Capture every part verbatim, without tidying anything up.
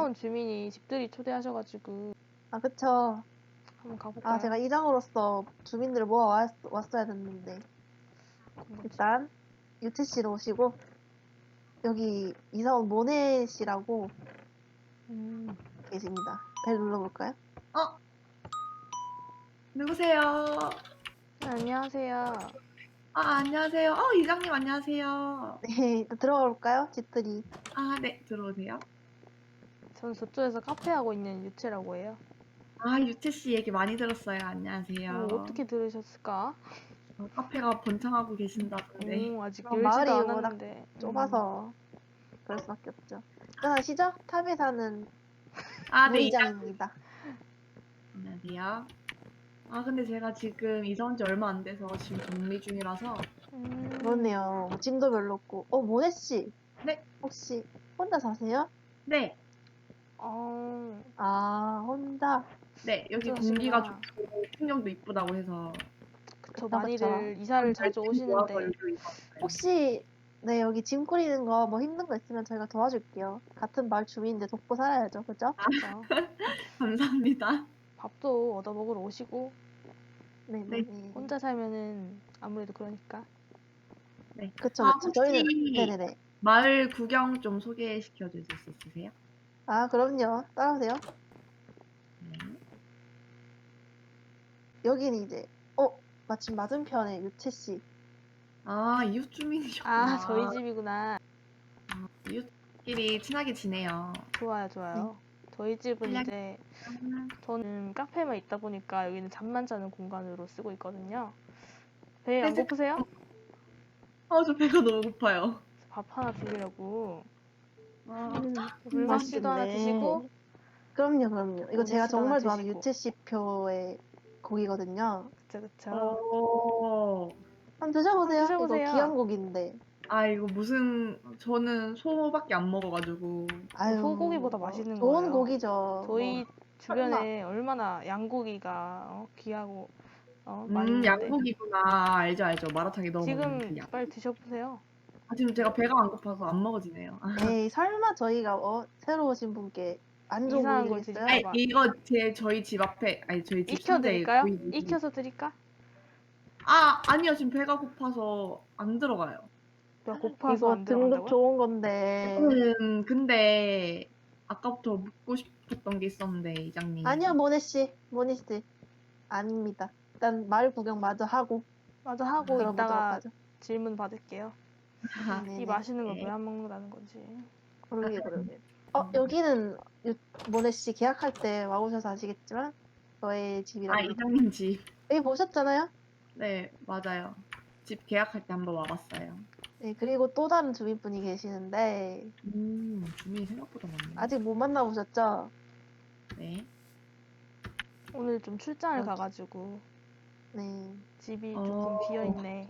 온 주민이 집들이 초대하셔가지고 아, 그쵸. 한번 가볼까요? 아, 제가 이장으로서 주민들을 모아 왔, 왔어야 됐는데. 일단, 유채 씨로 오시고, 여기 이사 온 모네 씨라고 음, 계십니다. 벨 눌러볼까요? 어? 누구세요? 네, 안녕하세요. 아, 안녕하세요. 어, 이장님 안녕하세요. 네, 일단 들어가 볼까요? 집들이. 아, 네, 들어오세요. 저는 저쪽에서 카페 하고 있는 유채라고 해요. 아, 유채 씨 얘기 많이 들었어요. 안녕하세요. 어, 어떻게 들으셨을까? 어, 카페가 번창하고 계신다던데. 오, 아직 그럼 열지도 마을이 워낙 않았는데. 좁아서 그럴 수밖에 없죠. 일단 아시죠? 탑에 사는 아, 네, 이장. 무이장입니다. 안녕하세요. 아, 근데 제가 지금 이사 온 지 얼마 안 돼서 지금 정리 중이라서. 음, 그렇네요. 짐도 별로 없고. 어, 모네 씨. 네, 혹시 혼자 사세요? 네, 어, 아, 혼자. 네. 여기 혼자 공기가 사시구나. 좋고 풍경도 이쁘다고 해서. 그쵸, 그쵸, 많이들 그쵸. 이사를 자주 열심히 오시는데. 모아서 여기로 이사 왔어요. 혹시 네, 여기 짐 꾸리는 거 뭐 힘든 거 있으면 저희가 도와줄게요. 같은 마을 주민인데 돕고 살아야죠. 그죠? 그쵸. 감사합니다. 밥도 얻어 먹으러 오시고, 네, 네. 네, 네. 혼자 살면은 아무래도 그러니까. 네. 그쵸, 아, 그쵸. 혹시 저희는 네네네. 마을 구경 좀 소개시켜 주실 수 있으세요? 아, 그럼요. 따라오세요. 네. 여기는 이제 어, 마침 맞은편에 유채 씨. 아, 이웃 주민이셨구나. 아, 저희 집이구나. 아, 이웃끼리 친하게 지내요. 좋아요, 좋아요. 저희 집은 그냥- 이제 저는 카페만 있다 보니까 여기는 잠만 자는 공간으로 쓰고 있거든요. 배 안 네, 제- 고프세요? 아, 저 배가 너무 고파요. 밥 하나 드리려고. 아, 음, 물만 씨도 하나 맛있겠네. 드시고. 그럼요, 그럼요. 이거 모네 제가 씨도 하나 정말 좋아하는 드시고. 유채 씨 표의 고기거든요. 그쵸, 그쵸. 어, 한번 드셔보세요. 한번 드셔보세요. 이거 귀한 고기인데. 아, 이거 무슨, 저는 소밖에 안 먹어가지고. 아유, 소고기보다 맛있는 좋은 거예요. 고기죠. 저희 뭐, 주변에 얼마나 양고기가 어, 귀하고 어, 많이 음, 있는데. 양고기구나. 알죠, 알죠. 마라탕에 넣어 먹는 그 지금 양. 빨리 드셔보세요. 아, 지금 제가 배가 안 고파서 안 먹어지네요. 아, 에이, 설마 저희가 어, 새로 오신 분께 안 좋은 이상한 고기 걸 드리겠어요? 드실까 봐. 이거 제 저희 집 앞에, 아니 저희 집 상자에 익혀드릴까요? 고이 있는데. 익혀서 드릴까? 아, 아니요. 지금 배가 고파서 안 들어가요. 배 고파서 이거 안 등급 들어간다고요? 좋은 건데. 음, 근데 아까부터 묻고 싶었던 게 있었는데, 이장님. 아니요, 모네 씨. 모네 씨. 아닙니다. 일단 마을 구경 마저 하고 맞아, 하고 들어보도록 이따가 하죠. 질문 받을게요. 아, 네네. 이 맛있는 걸 네. 왜 안 먹는다는 건지. 그러게, 그러게. 어, 여기는 유, 모네 씨 계약할 때 와보셔서 아시겠지만 저의 아, 집이랍니다. 이장님 집. 여기 보셨잖아요? 네, 맞아요. 집 계약할 때 한번 와봤어요. 네, 그리고 또 다른 주민분이 계시는데 음, 주민이 생각보다 많네. 아직 못 만나보셨죠? 네. 오늘 좀 출장을 여기. 가가지고 네. 집이 어. 조금 비어있네.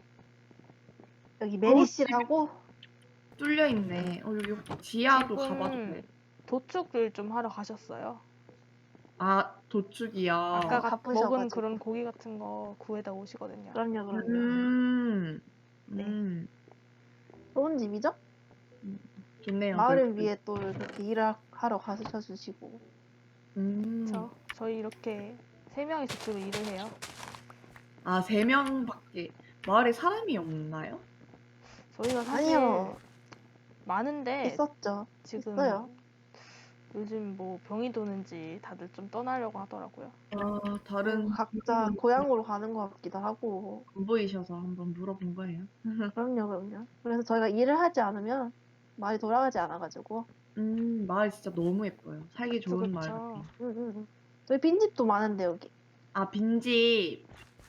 여기 메리 어, 씨라고 뚫려 있네. 어, 여기 지하도 지금 가봐도 돼. 도축을 좀 하러 가셨어요. 아, 도축이요. 아까 가- 바쁘셔가지고. 먹은 그런 고기 같은 거 구해다 오시거든요. 그럼요, 그럼요. 음, 네. 음, 좋은 집이죠? 좋네요. 마을을 넓고. 위해 또 이렇게 일을 하러 가셔주시고. 음. 그쵸? 저희 이렇게 세 명이서 주로 일을 해요. 아, 세 명밖에 마을에 사람이 없나요? 저희가 사실 아니요, 많은데 있었죠. 지금 있어요. 요즘 뭐 병이 도는지 다들 좀 떠나려고 하더라고요. 아, 다른 음, 각자 분들은 고향으로 가는 것 같기도 하고. 안 보이셔서 한번 물어본 거예요. 그럼요, 그럼요. 그래서 저희가 일을 하지 않으면 마을이 돌아가지 않아가지고. 음, 마을 진짜 너무 예뻐요. 살기 그쵸, 좋은 마을 그쵸. 같아요. 응, 응, 응. 저희 빈집도 많은데, 여기. 아, 빈집.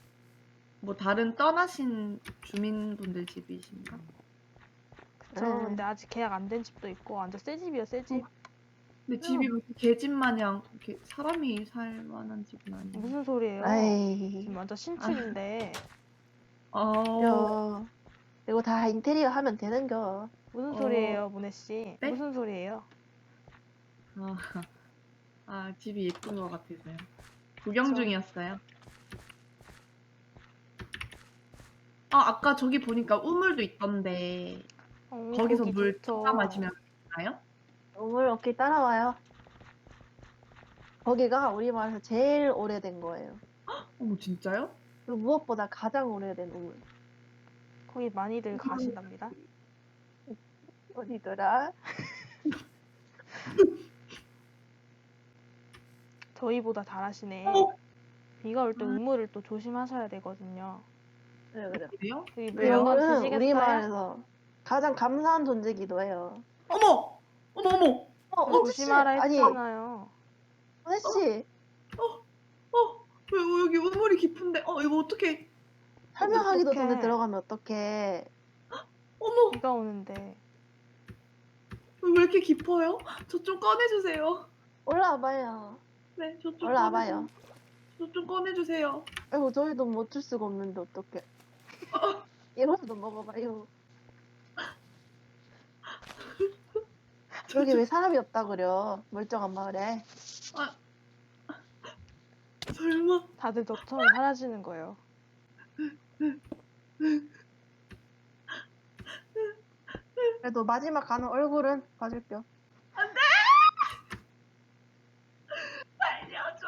뭐 다른 떠나신 주민분들 집이신가? 그쵸. 네. 근데 아직 계약 안 된 집도 있고 완전 새 집이요, 새 집. 근데 집이 무슨 개집 마냥 이렇게 사람이 살 만한 집은 아니에요. 무슨 소리예요? 에이, 지금 완전 신축인데 아, 야, 이거 다 인테리어 하면 되는겨. 무슨 어. 소리예요, 모네 씨? 네? 무슨 소리예요? 아, 아, 집이 예쁜 것 같아서요. 구경 그쵸. 중이었어요. 아, 아까 저기 보니까 우물도 있던데 어, 거기서 거기 물 좋죠. 떠다 마시면 되나요? 오물 오케이 따라와요. 거기가 우리 마을에서 제일 오래된 거예요. 어머, 진짜요? 그리고 무엇보다 가장 오래된 우물. 거기 많이들 가신답니다. 어디더라? 저희보다 잘하시네. 어? 비가 올 때 우물을 또 조심하셔야 되거든요. 그래, 그래. 그래요? 여기 물 왜요? 한번 우물은 우리 드시겠어요? 마을에서 가장 감사한 존재기도 해요. 어머! 어머, 어머! 어, 저 호치 씨! 조심하라 아니, 했잖아요. 호치 씨! 어, 왜 여기 우물이 깊은데? 어, 이거 어떡해? 설명하기도 어떡해. 전에 들어가면 어떡해. 어머, 비가 오는데. 왜 이렇게 깊어요? 저 좀 꺼내주세요. 올라와봐요. 네, 저 좀 올라와봐요. 저 좀 꺼내주세요. 아이고, 저희도 못 줄 수가 없는데 어떡해. 이거라도 먹어봐요. 여기 왜 사람이 없다 그려? 멀쩡한 마을에. 설마. 다들 저처럼 사라지는 거예요. 그래도 마지막 가는 얼굴은 봐줄게요. 살려줘.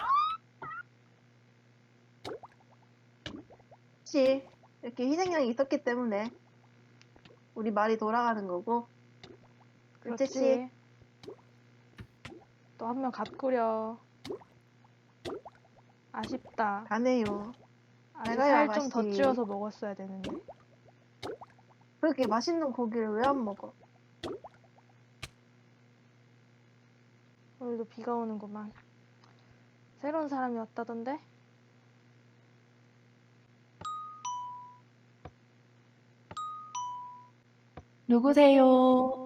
혹시 이렇게 희생양이 있었기 때문에 우리 말이 돌아가는 거고. 둘째 씨, 그렇지. 또 한 명 갓구려. 아쉽다. 가네요. 아직 내가요, 살 좀 더 맛이. 찌워서 먹었어야 되는데. 그렇게 맛있는 고기를 왜 안 먹어? 오늘도 비가 오는구만. 새로운 사람이 왔다던데? 누구세요?